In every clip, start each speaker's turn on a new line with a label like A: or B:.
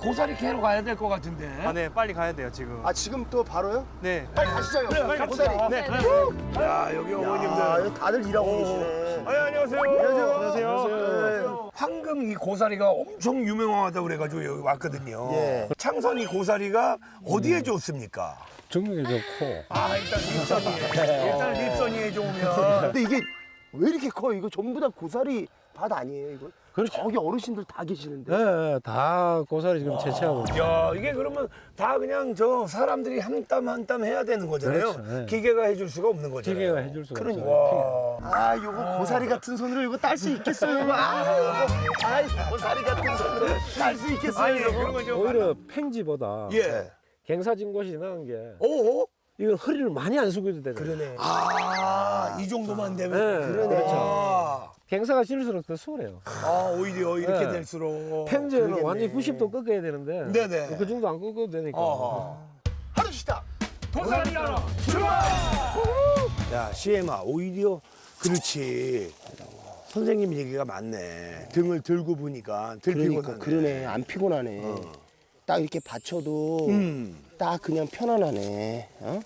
A: 고사리 캐러 가야 될 것 같은데.
B: 아, 네, 빨리 가야 돼요, 지금.
C: 아 지금 또 바로요?
B: 네.
C: 빨리 가시죠.
A: 빨리
C: 고사리.
A: 갑시다.
B: 네.
A: 야, 여기
C: 야,
A: 어머님들.
C: 여기 다들 일하고 계시네.
A: 안녕하세요.
C: 안녕하세요.
A: 황금 이 고사리가 엄청 유명하다고 그래가지고 여기 왔거든요.
C: 예.
A: 창선 이 고사리가 어디에 좋습니까?
D: 정력이 좋고
A: 아, 일단 립선이에. 일단 립선이에 좋으면.
C: 근데 이게 왜 이렇게 커? 이거 전부 다 고사리 밭 아니에요, 이거?
D: 그렇죠.
C: 저기 어르신들 다 계시는데.
D: 예, 다 고사리 지금 채취하고 있어요.
A: 야, 이게 그러면 다 그냥 저 사람들이 한 땀 한 땀 해야 되는 거잖아요.
D: 그렇죠, 네.
A: 기계가 해줄 수가 없는 거잖아요.
D: 기계가 해줄 수가
A: 그러니까.
D: 없어요.
A: 와.
C: 아, 요거 고사리 같은 손으로 이거 딸 수 있겠어요, 이거? 아, 고사리 같은 손으로 딸 수 있겠어요,
A: 아니,
C: 이거?
A: 그런 건 좀.
D: 오히려 팽지보다
A: 예.
D: 갱사진 곳이 나은 게
A: 오?
D: 이건 허리를 많이 안 숙여도 되거든요.
C: 그러네.
A: 아, 이 정도만 되면.
D: 네,
A: 그렇죠.
D: 갱사가 질수록 더 수월해요.
A: 아, 오히려 이렇게
D: 네.
A: 될수록.
D: 팽지는
C: 그러겠네.
D: 완전히 90도 꺾어야 되는데
A: 네네.
D: 그 정도 안 꺾어도 되니까.
C: 하루 쉬다.
A: 고사리 하러 출발! 야, 시엠아, 오히려 그렇지. 선생님 얘기가 맞네. 등을 들고 보니까 덜
C: 그러니까
A: 피곤하네.
C: 그러네. 안 피곤하네. 딱 이렇게 받쳐도 딱 그냥 편안하네. 어?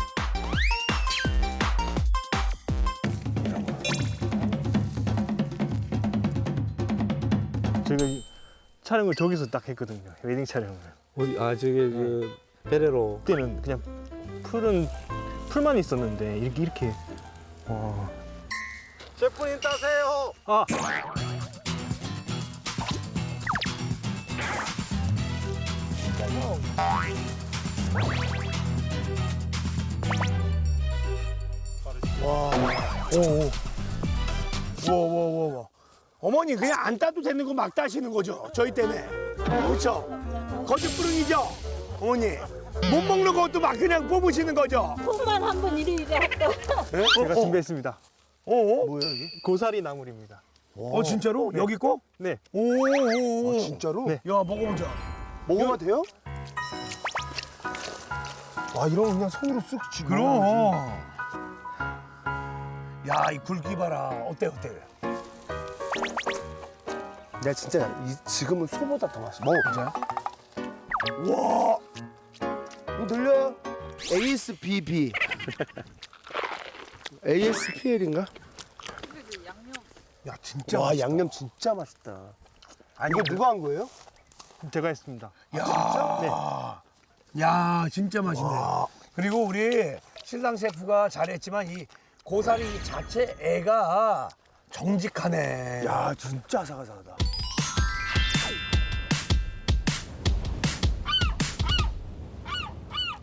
B: 저희가 촬영을 저기서 딱 했거든요, 웨딩 촬영을.
D: 아 저게 그 베레로
B: 그때는 그냥 풀만 있었는데, 이렇게. 와.
C: 셰프님 따세요.
B: 아!
A: 와. 어머니 그냥 안 따도 되는 거 막 따시는 거죠? 저희 때문에. 그렇죠? 거짓부릉이죠? 어머니. 못 먹는 것도 막 그냥 뽑으시는 거죠?
E: 손만 한 번 이리 했다.
B: 제가 준비했습니다.
C: 뭐야 이게?
B: 고사리 나물입니다.
A: 진짜로? 여기 거?
B: 네.
A: 오.
C: 진짜로?
B: 네.
A: 야, 먹어보자.
C: 먹으면 돼요? 아, 이런 거 그냥 손으로 쓱 쥐고.
A: 그럼. 야, 이 굵기 봐라. 어때?
C: 내가 진짜 지금은 소보다 더 맛있어. 먹어보자.
A: 와.
C: 이거 들려요? ASBB. ASPL인가?
A: 야, 진짜.
C: 와,
A: 맛있다.
C: 양념 진짜 맛있다. 아니, 이거 누가 한 거예요?
B: 제가 했습니다.
A: 야, 야, 진짜 맛있네. 그리고 우리 신랑 셰프가 잘했지만 이 고사리 자체 애가 정직하네.
C: 야, 진짜 아삭아삭하다.